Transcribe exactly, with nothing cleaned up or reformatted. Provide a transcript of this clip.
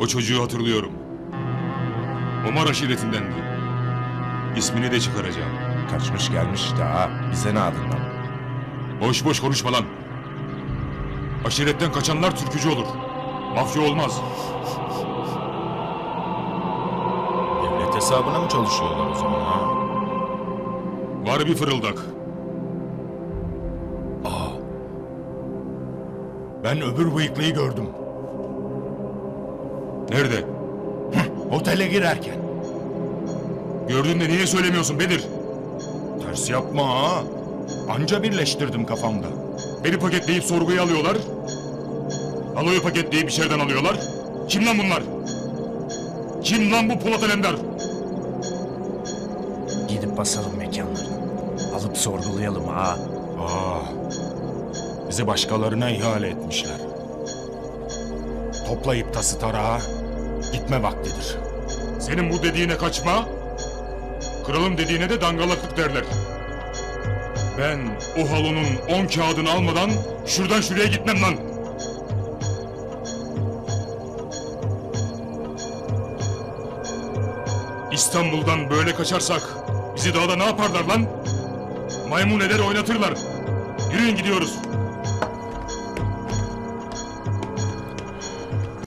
O çocuğu hatırlıyorum. Omar aşiretindendi. İsmini de çıkaracağım. Kaçmış gelmiş işte ha. Bize ne adından? Boş boş konuşma lan. Aşiretten kaçanlar türkücü olur. Mafya olmaz. Devlet hesabına mı çalışıyorlar o zaman ha? Var bir fırıldak. Ben öbür bıyıklıyı gördüm. Nerede? Otele girerken. Gördün de niye söylemiyorsun Bedir? Ters yapma ha. Anca birleştirdim kafamda. Beni paketleyip sorguya alıyorlar. Aloyu paketleyip içeriden alıyorlar. Kim lan bunlar? Kim lan bu Polat Alemdar? Gidip basalım mekanlarını. Alıp sorgulayalım ha. Aa, bizi başkalarına ihale etmişler. Toplayıp tası tarağa gitme vaktidir. Senin bu dediğine kaçma, kralım dediğine de dangalaklık derler. Ben o halonun on kağıdını almadan şuradan şuraya gitmem lan. İstanbul'dan böyle kaçarsak bizi dağda ne yaparlar lan? Maymun eder oynatırlar. Yürüyün gidiyoruz.